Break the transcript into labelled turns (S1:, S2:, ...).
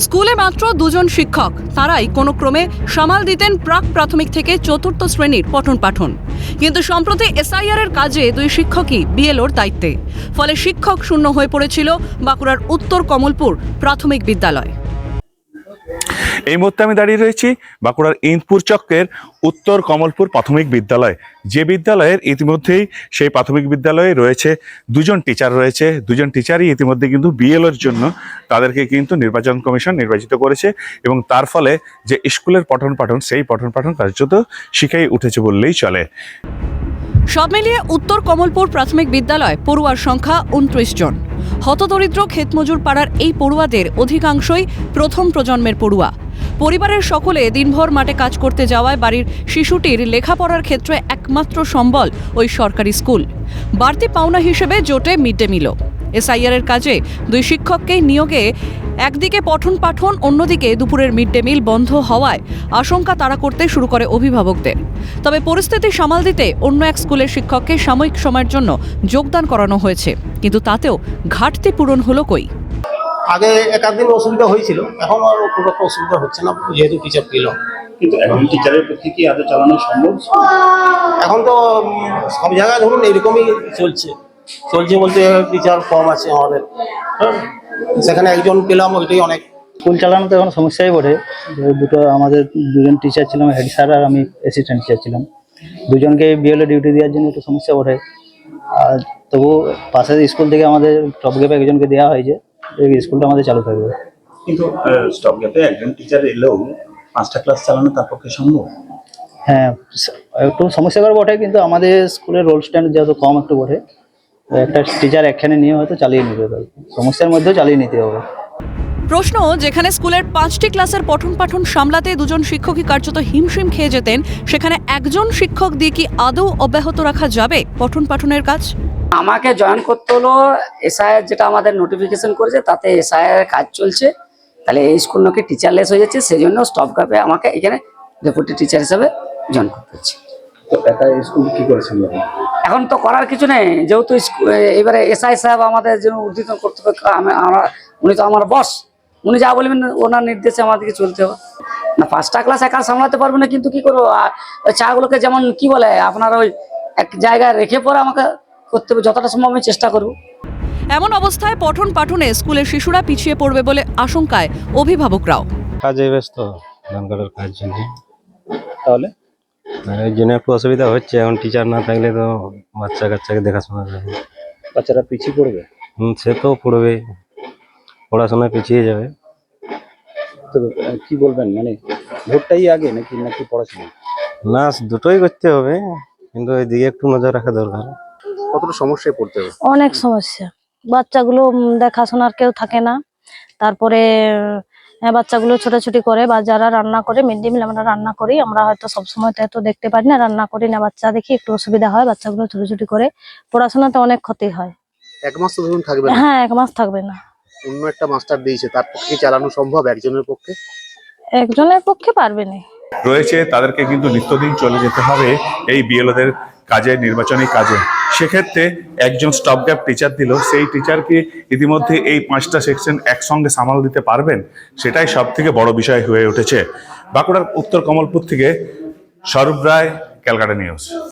S1: স্কুলে মাত্র দুজন শিক্ষক, তারাই কোনো ক্রমে সামাল দিতেন প্রাক প্রাথমিক থেকে চতুর্থ শ্রেণীর পঠন পাঠন। কিন্তু সম্প্রতি এসআইআর এর কাজে দুই শিক্ষকই বিএলওর দায়িত্বে। ফলে শিক্ষক শূন্য হয়ে পড়েছিল বাঁকুড়ার উত্তর কমলপুর প্রাথমিক বিদ্যালয়।
S2: এই মুহূর্তে আমি দাঁড়িয়ে রয়েছি বাঁকুড়ার ইন্দপুর চক্রের উত্তর কমলপুর প্রাথমিক বিদ্যালয়, যে বিদ্যালয়ের ইতিমধ্যেই সেই প্রাথমিক বিদ্যালয়ে রয়েছে দুজন টিচার রয়েছে। দুজন টিচারই ইতিমধ্যে কিন্তু বিএলওর জন্য তাদেরকে কিন্তু নির্বাচন কমিশন নির্বাচিত করেছে এবং তার ফলে যে স্কুলের পঠন পাঠন সেই পঠন পাঠন কার্যত শিখেই উঠেছে বললেই চলে।
S1: সব মিলিয়ে উত্তর কমলপুর প্রাথমিক বিদ্যালয় পড়ুয়ার সংখ্যা 29 জন। হতদরিদ্র ক্ষেতমজুর পাড়ার এই পড়ুয়াদের অধিকাংশই প্রথম প্রজন্মের পড়ুয়া। পরিবারের সকলে দিনভর মাঠে কাজ করতে যাওয়ায় বাড়ির শিশুটির লেখাপড়ার ক্ষেত্রে একমাত্র সম্বল ওই সরকারি স্কুল। বাড়তি পাওনা হিসেবে জোটে মিড ডে মিলও। এসআইআর এর কাজে দুই শিক্ষককেই নিয়োগে একদিকে পঠন পাঠন, অন্যদিকে দুপুরের মিড ডে মিল বন্ধ হওয়ায় আশঙ্কা তাড়া করতে শুরু করে অভিভাবকদের। তবে পরিস্থিতি সামাল দিতে অন্য এক স্কুলের শিক্ষককে সাময়িক সময়ের জন্য যোগদান করানো হয়েছে, কিন্তু তাতেও ঘাটতি পূরণ হলো কই।
S3: আগে একাধিক অসুবিধা হয়েছিল, এখন আর খুব একটা অসুবিধা হচ্ছে না যেহেতু টিচার পেল।
S4: কিন্তু এখন টিচারের পক্ষে কি আদৌ চালানো সম্ভব?
S3: এখন তো সব জায়গায় ধরুন এরকমই চলছে বলতে টিচার কম আছে আমাদের, সেখানে একজন পেলাম, ওইটাই অনেক।
S5: স্কুল চালানো তো এখন সমস্যাই বটে। আমাদের দুজন টিচার ছিলাম, হেড স্যার আর আমি অ্যাসিস্ট্যান্ট টিচার ছিলাম। দুজনকে বিএলও ডিউটি দেওয়ার জন্য একটু সমস্যা বটে। আর তবু পাশের স্কুল থেকে আমাদের টপ গ্যাপে একজনকে দেওয়া হয়েছে, এই স্কুলটা আমাদের চালু থাকবে।
S4: কিন্তু স্টপ গ্যাপে একজন টিচার এলেও 5টা ক্লাস চালানো তার পক্ষে সম্ভব?
S5: হ্যাঁ, একটু সমস্যাকর বটে, কিন্তু আমাদের স্কুলের রোল স্ট্যান্ড যেহেতু কম একটু বটে, একটা টিচার একখানে নিয়ে হয়তো চালিয়ে নিতে হবে, সমস্যার মধ্যেও চালিয়ে নিতে হবে।
S1: প্রশ্ন, যেখানে স্কুলের 5টি ক্লাসের পঠন পাঠন সামলাতে দুজন শিক্ষকই কার্যত হিমশিম খেয়ে যেতেন, সেখানে একজন শিক্ষক দিয়ে কি আদৌ অব্যাহত রাখা যাবে পঠন পাঠনের কাজ?
S6: আমাকে জয়েন করতে হলো এসআইআর, যেটা আমাদের নোটিফিকেশন করেছে তাতে এসআইআর কাজ চলছে। তাহলে এই স্কুল নাকি টিচারলেস হয়ে যাচ্ছে, সেই জন্য স্টপ গ্যাপে আমাকে এখানে ডেপুটি টিচার হিসাবে জয়েন করতে হচ্ছে।
S4: তো একা স্কুল কি করেছেন?
S6: এখন তো করার কিছু নেই, যেহেতু এবারে এসআই সাহেব আমাদের জন্য ঊর্ধ্বতন কর্তৃপক্ষ, উনি তো আমার বস, উনি যা বলবেন ওনার নির্দেশে আমাদেরকে চলতে হবে। না 5টা ক্লাস একা সামলাতে পারবো না, কিন্তু কি করবো, ওই চাগুলোকে যেমন কি বলে আপনার ওই এক জায়গায় রেখে পরে আমাকে করতে হবে, যতটা সম্ভব আমি চেষ্টা করবো।
S1: এমন অবস্থায় পঠন পাঠনে স্কুলের শিশুরা পিছিয়ে পড়বে বলে আশঙ্কায় অভিভাবকরাও।
S7: কাজে ব্যস্ত, ধান কাটার কাজ জন্য,
S4: তাহলে
S7: এই জন্য একটু অসুবিধা হচ্ছে। এখন টিচার না থাকলে তো বাচ্চা কাচ্চাকে দেখাশোনা যাবে,
S4: বাচ্চারা পিছিয়ে পড়বে।
S7: সে তো পড়বে, পড়াশোনায় পিছিয়ে যাবে।
S4: তো কি বলবেন, মানে ভোটটাই আগে নাকি পড়াশোনা?
S7: না, দুটোই করতে হবে, কিন্তু এদিকে একটু নজর রাখা দরকার।
S4: কতটা সমস্যায় পড়তে হবে?
S8: অনেক সমস্যা, বাচ্চাগুলো দেখাশোনার কেউ থাকে না। তারপরে বাচ্চাগুলো ছোটাছুটি করে, বা যারা রান্না করে, মিড ডে মিল আমরা রান্না করি, আমরা হয়তো সবসময় তো এত দেখতে পারি না, রান্না করি না, বাচ্চা দেখি একটু অসুবিধা হয়, বাচ্চাগুলো ছোটাছুটি করে, পড়াশোনাতে অনেক ক্ষতি হয়।
S3: এক মাস তো ধরুন থাকবে না।
S8: হ্যাঁ, 1 মাস থাকবে না।
S3: অন্য একটা মাস্টার দিয়েছে, তার পক্ষে চালানো সম্ভব একজনের পক্ষে?
S8: একজনের পক্ষে পারবে না।
S2: রয়েছে তাদেরকে কিন্তু নিত্যদিন চলে যেতে হবে এই বিএলওদের কাজে, নির্বাচনী কাজে। সেক্ষেত্রে একজন স্টপ গ্যাপ টিচার দিল, সেই টিচার কি ইতিমধ্যে এই 5টা সেকশন একসঙ্গে সামাল দিতে পারবেন? সেটাই সব থেকে বড় বিষয় হয়ে উঠেছে। বাঁকুড়ার উত্তর কমলপুর থেকে স্বরূপ রায়, ক্যালকাটা নিউজ।